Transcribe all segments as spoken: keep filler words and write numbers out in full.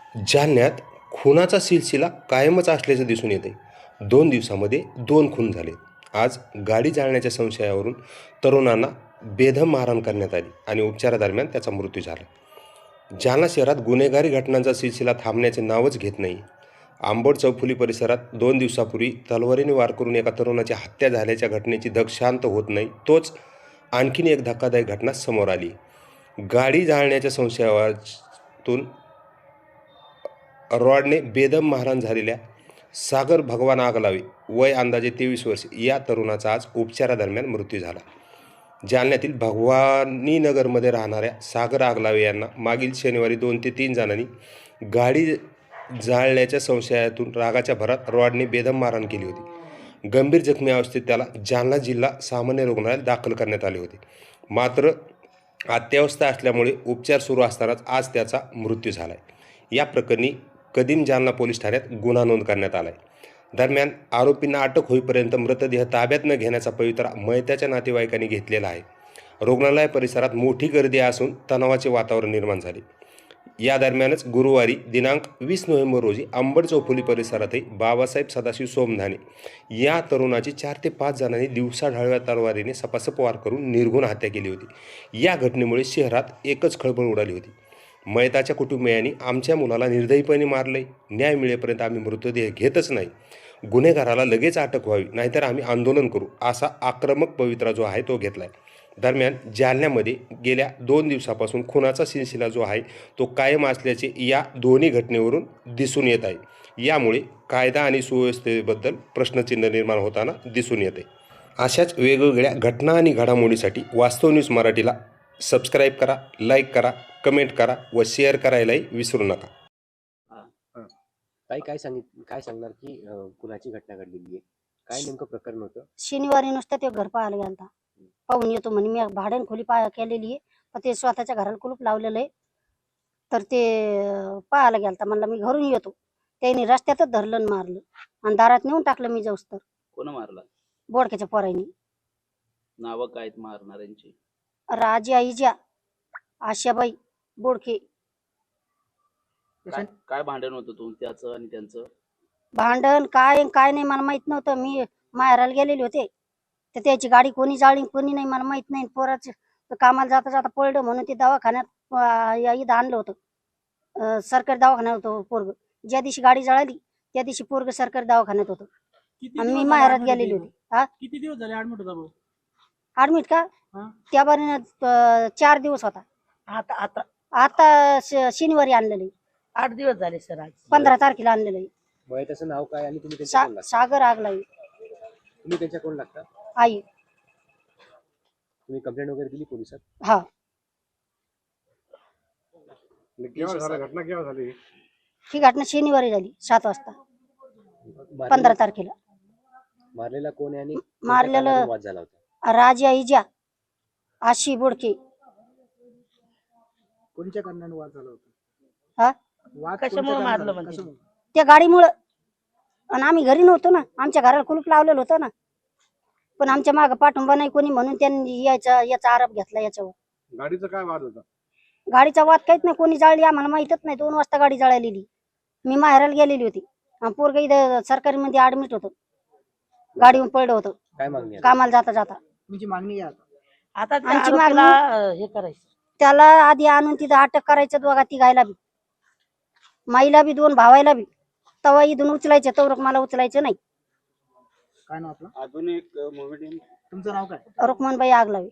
जालन्यात खुनाचा सिलसिला कायमच असल्याचं दिसून येते. दोन दिवसामध्ये दोन खून झाले. आज गाडी जाळण्याच्या संशयावरून तरुणांना बेदम मारहाण करण्यात आली आणि उपचारादरम्यान त्याचा मृत्यू झाला. जालना शहरात गुन्हेगारी घटनांचा सिलसिला थांबण्याचे नावच घेत नाही. आंबोड चौफुली परिसरात दोन दिवसापूर्वी तलवारीने वार करून एका तरुणाची हत्या झाल्याच्या घटनेची धग शांत होत नाही. तोच आणखीन एक धक्कादायक घटना समोर आली. गाडी जाळण्याच्या संशयातून रॉडने बेदम मारहाण झालेल्या सागर भगवान आगलावे वय अंदाजे तेवीस वर्ष या तरुणाचा आज उपचारादरम्यान मृत्यू झाला. जालन्यातील भगवानीनगरमध्ये राहणाऱ्या सागर आगलावे यांना मागील शनिवारी दोन ते तीन जणांनी गाडी जाळण्याच्या संशयातून रागाच्या भरात रॉडने बेदम मारहाण केली होती. गंभीर जखमी अवस्थेत त्याला जालना जिल्हा सामान्य रुग्णालयात दाखल करण्यात आले होते. मात्र अत्यावस्था असल्यामुळे उपचार सुरू असतानाच आज त्याचा मृत्यू झाला आहे. या प्रकरणी कदीम जालना पोलीस ठाण्यात गुन्हा नोंद करण्यात आला आहे. दरम्यान आरोपींना अटक होईपर्यंत मृतदेह ताब्यात न घेण्याचा पवित्रा मयताच्या नातेवाईकांनी घेतलेला आहे. रुग्णालय परिसरात मोठी गर्दी असून तणावाचे वातावरण निर्माण झाले. या दरम्यानच गुरुवारी दिनांक वीस नोव्हेंबर रोजी आंबड चौफुली परिसरातही बाबासाहेब सदाशिव सोमधाने या तरुणाची चार ते पाच जणांनी दिवसाढाळव्या तलवारीने सपासप वार करून निर्घुण हत्या केली होती. या घटनेमुळे शहरात एकच खळबळ उडाली होती. मयताच्या कुटुंबियांनी आमच्या मुलाला निर्दयीपणे मारले, न्याय मिळेपर्यंत आम्ही मृतदेह घेतच नाही, गुन्हेगाराला लगेच अटक व्हावी नाहीतर आम्ही आंदोलन करू असा आक्रमक पवित्रा जो आहे तो घेतला आहे. दरम्यान जालन्यामध्ये गेल्या दोन दिवसापासून खुनाचा सिलसिला जो आहे तो कायम असल्याचे या दोन्ही घटनेवरून दिसून येत आहे. यामुळे कायदा आणि सुव्यवस्थेबद्दल प्रश्नचिन्ह निर्माण होताना दिसून येते. अशाच वेगवेगळ्या घटना आणि घडामोडीसाठी वास्तव न्यूज मराठीला सबस्क्राईब करा, लाईक करा, कमेंट करा व शेअर करायलाही विसरू नका. काय काय सांगित काय सांगणार की कुणाची घटना घडलेली आहे, काय नेमकं प्रकरण होतं? शनिवारी नुसतं ते घर पाहायला गेलता, पाहून येतो म्हणे. मी भाड्यान खोली पाया केलेली आहे, पण ते स्वतःच्या घराला कुलूप लावलेलं आहे. तर ते पाहायला गेलता, म्हणलं मी घरून येतो. त्यांनी रस्त्यातच धरलं आणि मारलं आणि दारात नेऊन टाकलं. मी जाऊस तर कोण मारला? बोडक्याच्या पोरांनी. नाव काय आहेत मारणाऱ्यांची? राजी आईजा, आशाबाई बोडके. काय काय भांडण होतं तुमच्याचं आणि त्यांचं? भांडण काय काय नाही मला माहित नव्हतं. मी माहेराला गेलेले होते, तर त्याची गाडी कोणी जाळली कोणी नाही मला माहित नाही. पोराचं कामाला जाता जाता पडलं म्हणून ते दवाखान्यात इथं आणलं होतं. सरकारी दवाखान्यात होतं पोरग. ज्या दिवशी गाडी जळाली त्या दिवशी पोरग सरकारी दवाखान्यात होतं आणि मी माहेरात गेलेली होती. हा, किती दिवस झाले ऍडमिट होता? ऍडमिट का? त्या बारीनं चार दिवस होता. आता आता आता शनिवारी आणलेलं आहे. आठ दिवस झाले सर. आज पंधरा तारखेला आणलेलं आहे. मयताचं नाव काय आणि तुम्ही त्यांच्या कोण लागता? सागर आगलावी. तुम्ही त्यांच्या कोण लागता? आई. तुम्ही कंप्लेंट वगैरे दिली पोलिसात? हा. घटना केव्हा झाली? ही घटना शनिवारी झाली सात वाजता पंधरा तारखेला. मारलेला कोण आहे आणि मारलेलं वाद झाला होता? राजा इजा, आशी बोडके. कोणत्या कारणाने वाद झाला होता? हा, वाद कशामुळे मारलं म्हणजे? त्या गाडीमुळं. आणि आम्ही घरी नव्हतो ना, आमच्या घराला कुलूप लावलेलं होतं ना, पण आमच्या मागं पाठिंबा नाही कोणी म्हणून त्यांनी याचा याचा आरोप घेतला याच्यावर. गाडीचा काय वाद होता? गाडीचा वाद काहीच नाही, कोणी जाळली आम्हाला माहितच नाही. दोन वाजता गाडी जळालेली. मी माहेराला गेलेली होती. पोरग इथं सरकारी मध्ये ऍडमिट होतं, गाडीवर पडलं होतं काय मागणी आहे? कामाला जाता जाता. तुमची मागणी आहे आता? आता आमची आरोपीला, मागणी- हे करायचं, त्याला आधी आणून तिथं अटक करायचं. दोघा तिघायला बी, माईला बी, दोन भावायला बी. तवा इथून उचलायचं, तवरक मला उचलायचं नाही. काय नाव आपलं? अजून एक मोमेडियन तुमचं नाव काय? रुक्मणबाई आगलावी.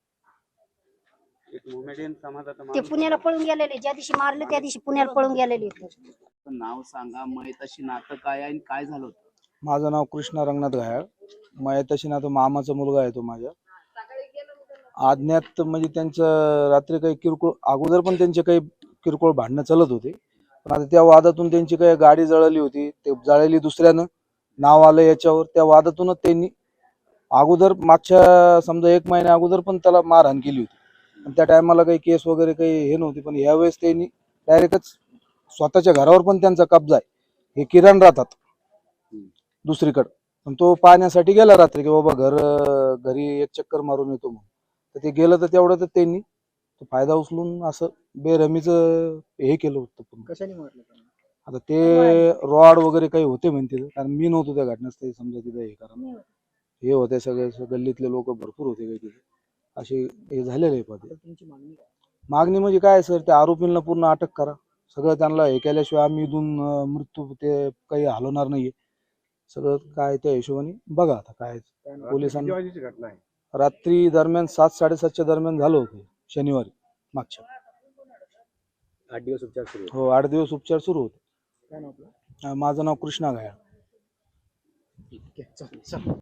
एक मोमेडियन समाजाचा ते माणूस. पुण्याला पळून गेलेले, ज्या दिवशी मारले त्या दिवशी पुण्याला पळून गेलेले. नाव सांगा, मयताशी नातं काय आहे आणि काय झालं होतं? माझं नाव कृष्णा रंगनाथ घायाळ. मयताशी ना तो मामाचा मुलगा आहे तो माझ्या. आज्ञात म्हणजे त्यांचं रात्री काही किरकोळ, अगोदर पण त्यांचे काही किरकोळ भांडणं चालत होते, पण आता त्या वादातून त्यांची काही गाडी जळाली होती. ते जळाली दुसऱ्यानं, नाव आलं याच्यावर. त्या वादातूनच त्यांनी अगोदर मागच्या समजा एक महिन्या अगोदर पण त्याला मारहाण केली होती. आणि त्या टायमाला काही केस वगैरे काही हे नव्हती, पण यावेळेस त्यांनी डायरेक्टच स्वतःच्या घरावर पण त्यांचा कब्जा आहे. हे किरण राहतात दुसरीकडे, पण तो पाहण्यासाठी गेला रात्री की बाबा घर घरी एक चक्कर मारून येतो म्हणून. तर ते गेलं, तर तेवढं तर त्यांनी फायदा उचलून असं बेरहमीचं हे केलं होतं. कशाने मारलं? आता ते रॉड वगैरे काही होते म्हणते ते, कारण मी नव्हतो त्या घटनास्थळी समजा तिथे हे करा हे होते सगळे सगळे गल्लीतले लोक भरपूर होते काही तिथे असे हे झालेले आहे पदे. तुमची मागणी काय? मागणी म्हणजे काय सर, त्या आरोपींना पूर्ण अटक करा. सगळं त्यांना हे केल्याशिवाय आम्ही इथून अं, मृत्यू ते काही हलवणार नाहीये. सगळं काय त्या हिशोबाने बघा आता काय किती पोलिसांना. वाजेची घटना आहे? रात्री दरम्यान सात साडेसातच्या दरम्यान झालं होतं शनिवारी मागच्या. आठ दिवस उपचार सुरू होते. हो आठ दिवस उपचार सुरू होते. काय नाव आपलं? अं, माझं नाव कृष्णा घायाळ. ठीक आहे, चालेल, चालेल.